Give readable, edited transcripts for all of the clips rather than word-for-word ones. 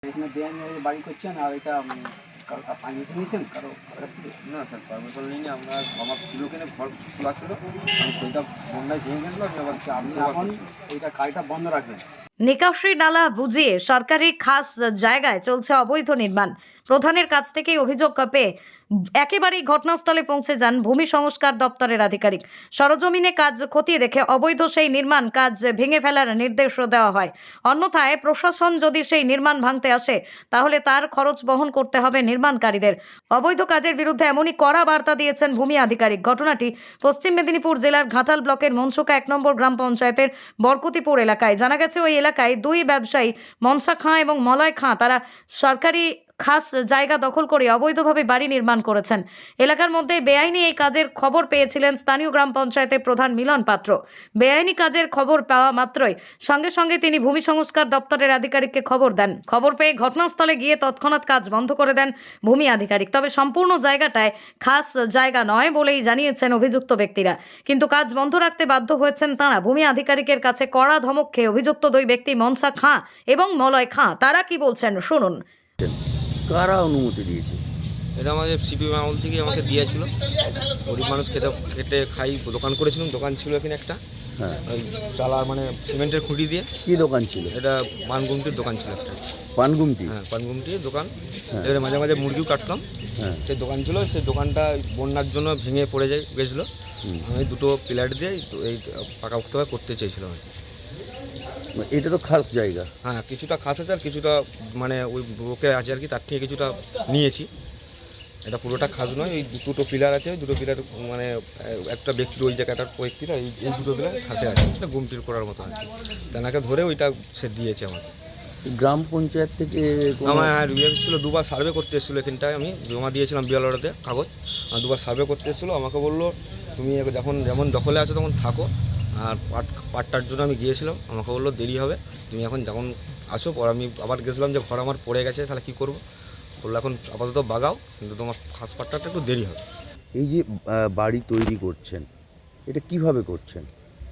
এখানে বেআইনি বাড়ি করছেন আর এটা কারো পারমিশন নিয়েছেন কারো কাছ থেকে? না স্যার, পারমিশন নিইনি। আমার ছিল কিনে ঘর খোলা ছিল, আমি সেইটা বন্যায় ভেঙে গেছিলো। আমি আবার আপনি এখন এইটা গাড়িটা বন্ধ রাখবেন। নিকাশি নালা বুঝিয়ে সরকারি খাস জায়গায় চলছে অবৈধ নির্মাণ। প্রধানের কাছ থেকে অভিযোগ পেয়ে একেবারেই ঘটনাস্থলে পৌঁছে যান ভূমি সংস্কার দপ্তরের আধিকারিক। সরজমিনে কাজ খতিয়ে দেখে অবৈধ সেই নির্মাণ কাজ ভেঙে ফেলার নির্দেশ দেওয়া হয়। অন্যথায় প্রশাসন যদি সেই নির্মাণ ভাঙতে আসে তাহলে তার খরচ বহন করতে হবে নির্মাণকারীদের। অবৈধ কাজের বিরুদ্ধে এমনই কড়া বার্তা দিয়েছেন ভূমি আধিকারিক। ঘটনাটি পশ্চিম মেদিনীপুর জেলার ঘাটাল ব্লকের মনসুকা 1 নম্বর গ্রাম পঞ্চায়েতের বরকতিপুর এলাকায়। জানা গেছে ওই এলাকায় দুই ব্যবসায়ী মনসা খাঁ এবং মলয় খাঁ তারা সরকারি খাস জায়গা দখল করে অবৈধভাবে বাড়ি নির্মাণ করেছেন। এলাকার মধ্যে বেআইনি এই কাজের খবর পেয়েছিলেন স্থানীয় গ্রাম পঞ্চায়েতের প্রধান মিলন পাত্র। বেআইনি কাজের খবর পাওয়া মাত্রই সঙ্গে সঙ্গে তিনি ভূমি সংস্কার দপ্তরের আধিকারিককে খবর দেন। খবর পেয়ে ঘটনাস্থলে গিয়ে তৎক্ষণাৎ কাজ বন্ধ করে দেন ভূমি আধিকারিক। তবে সম্পূর্ণ জায়গাটায় খাস জায়গা নয় বলেই জানিয়েছেন অভিযুক্ত ব্যক্তিরা, কিন্তু কাজ বন্ধ রাখতে বাধ্য হয়েছেন তাঁরা। ভূমি আধিকারিকের কাছে কড়া ধমক খেয়ে অভিযুক্ত দুই ব্যক্তি মনসা খাঁ এবং মলয় খাঁ তারা কি বলছেন শুনুন। কারা অনুমতি দিয়েছে? এটা আমাদের সিপিএম আমল থেকে আমাকে দিয়েছিল। গরিব মানুষ খেটে খাই দোকান করেছিলাম, দোকান ছিল এখানে একটা। হ্যাঁ, ওই চালা মানে সিমেন্টের খুঁটি দিয়ে। কি দোকান ছিল? এটা পানগুমটির দোকান ছিল একটা। পানগুমটি? হ্যাঁ, পানগুমটির দোকান। হ্যাঁ। এবারে মাঝে মাঝে মুরগিও কাটতাম। হ্যাঁ, সেই দোকান ছিল, সেই দোকানটা বন্যার জন্য ভেঙে পড়ে গেছিলো। আমি দুটো পিলার দিয়ে এই পাকাপোক্তভাবে করতে চেয়েছিলাম। এটা তো খাস জায়গা। হ্যাঁ, কিছুটা খাস আছে আর কিছুটা মানে ওই বুকে আছে আর কি, তার থেকে কিছুটা নিয়েছি। এটা পুরোটা খাস নয়, এই দুটো পিলার আছে, দুটো পিলার মানে একটা ব্যক্তির ওই জায়গাটার ব্যক্তিরা এই দুটো পিলার খাসে আছে, গুমটির করার মতো আছে। তেনাকে ধরে ওইটা সে দিয়েছে আমাকে। গ্রাম পঞ্চায়েত থেকে আমার এসেছিলো, দুবার সার্ভে করতে এসেছিলো এখানটায়। আমি জমা দিয়েছিলাম বিএলআরতে কাগজ। দুবার সার্ভে করতে এসেছিলো। আমাকে বললো তুমি যেমন দখলে আছো তখন থাকো, আর পাটটার জন্য আমি গিয়েছিলাম। আমাকে বললো দেরি হবে, তুমি এখন যখন আসো। পর আমি আবার গেছিলাম যে ঘর আমার পড়ে গেছে, তাহলে কী করবো? বললো এখন আপাতত বাগাও, কিন্তু তোমার ফার্স্ট পাটটাটা একটু দেরি হবে। এই যে বাড়ি তৈরি করছেন, এটা কিভাবে করছেন?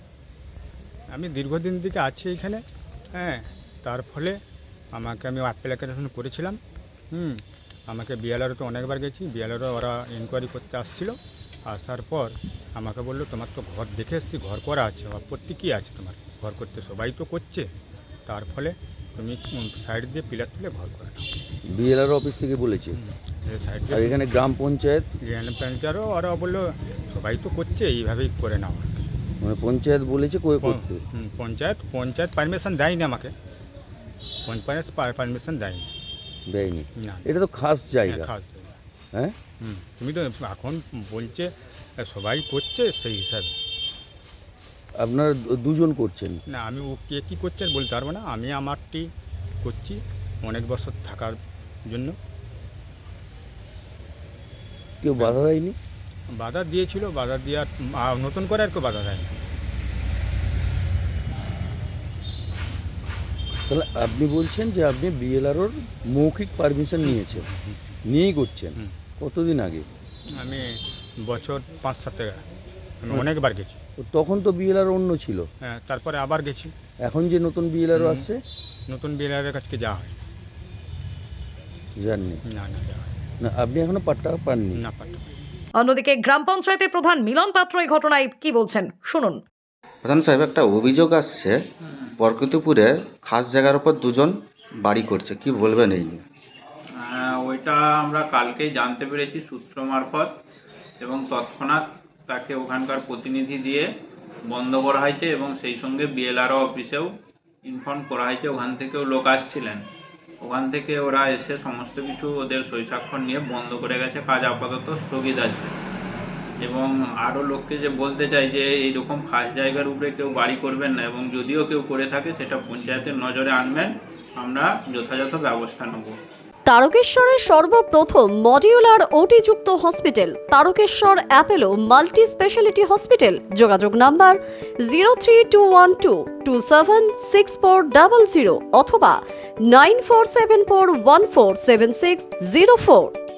আমি দীর্ঘদিন থেকে আছি এখানে। হ্যাঁ, তার ফলে আমি অ্যাপ্লিকেশন করেছিলাম। আমাকে বিএলআরও তো অনেকবার গেছি, বিএলআরও ওরা ইনকোয়ারি করতে আসছিল। আসার পর আমাকে বললো তোমার তো ঘর দেখে এসেছি, ঘর করা আছে, আপত্তি কী আছে তোমার? ঘর করতে সবাই তো করছে, তার ফলে তুমি সাইড দিয়ে পিলার তুলে ঘর করে নাও। বিএলআর অফিস থেকে বলেছে? সাইড আর এখানে গ্রাম পঞ্চায়েত? পঞ্চায়েতও ওরা বললো সবাই তো করছে, এইভাবেই করে নাও। মানে পঞ্চায়েত বলেছে করতে? পঞ্চায়েত পারমিশন দেয়নি আমাকে, পঞ্চায়েত পারমিশন দেয়নি। দেয়নি? না, এটা তো খাস জায়গা। খাস। হ্যাঁ, তুমি তো এখন বলছে সবাই করছে সেই হিসাবে। আপনারা দুজন করছেন? না, আমি ও কে কী করছে বলতে পারবো না। আমি আমারটি করছি অনেক বছর থাকার জন্য। কেউ বাধা দেয়নি? বাধা দিয়েছিল, বাধা দেওয়ার নতুন করে আর কেউ বাধা দেয়নি। তাহলে আপনি বলছেন যে আপনি বিএলআরওর মৌখিক পারমিশন নিয়েছেন, নিয়েই করছেন? কতদিন আগে? আমি বছর 5-7 আগে আমি অনেকবার গেছি। তখন তো বিএলআর অন্য ছিল। হ্যাঁ, তারপরে আবার গেছি। এখন যে নতুন বিএলআরও আসছে? নতুন বিএলআরের কাছে যাওয়া হয় জাননি না, যাওয়া হয় না। আপনি এখনো পাট্টা পাননি? না, পারতাম। অন্যদিকে গ্রাম পঞ্চায়েতের প্রধান মিলন পাত্র এই ঘটনায় কি বলছেন শুনুন। প্রধান সাহেব, একটা অভিযোগ আসছে বরকতিপুরে খাস জায়গার উপর দুজন বাড়ি করছে, কি বলবেন এই নিয়ে? ওইটা আমরা কালকেই জানতে পেরেছি সূত্র মারফত, এবং তৎক্ষণাৎ তাকে ওখানকার প্রতিনিধি দিয়ে বন্ধ করা হয়েছে, এবং সেই সঙ্গে বিএলআরও অফিসেও ইনফর্ম করা হয়েছে। ওখান থেকেও লোক আসছিলেন, ওখান থেকে ওরা এসে সমস্ত কিছু ওদের সই স্বাক্ষর নিয়ে বন্ধ করে গেছে। কাজ আপাতত স্থগিত আছে। এবং আরও লোককে যে বলতে চাই যে এইরকম খাস জায়গার উপরে কেউ বাড়ি করবেন না, এবং যদিও কেউ করে থাকে সেটা পঞ্চায়েতের নজরে আনবেন, আমরা যথাযথ ব্যবস্থা নেব। তারকেশ্বরের সর্বপ্রথম মডিউলার ওটি-যুক্ত hospital Tarakeswar Apollo multi speciality hospital. যোগাযোগ নাম্বার 03212276400 অথবা 9474147604।